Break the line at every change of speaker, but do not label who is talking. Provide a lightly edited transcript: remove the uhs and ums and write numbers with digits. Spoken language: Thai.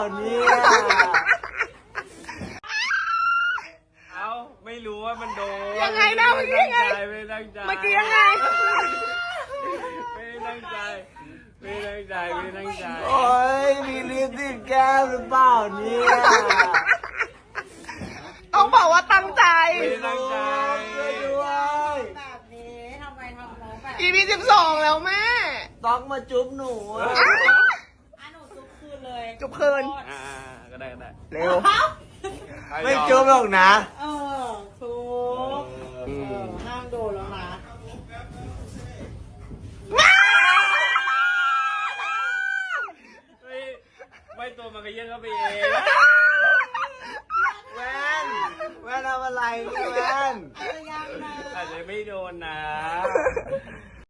เนี่ยเอาไม่รู้ว่ามันโดน
ยังไงนะเมื่อกี้ยังไง
ไม่ตั้งใจ
เมื่อกี้ยังไง
ไม่ตั้งใจไม่ตั้งใจไม่ตั้งใจ
โอ้ยมีลิปติดแก้มหรือเปล่าเนี่ย
ต้องบอกว่าตั้งใจ
ไม่ตั้งใจ
ช่วยด้วย
แบบนี้ทำไมทำน้องแบบ
EP 12แล้วแม่
ต้องมาจุ๊บหนูอะ
หนูซุกคืนเลย
จุบคืน
อ่าก็ได้ก็ได้
เร็ว
ไม่จุ๊บหรอกนะ
ซุกห้ามโดนแล้วนะ
ไม่ตัวมันก็เยื่นเข้าไปเอง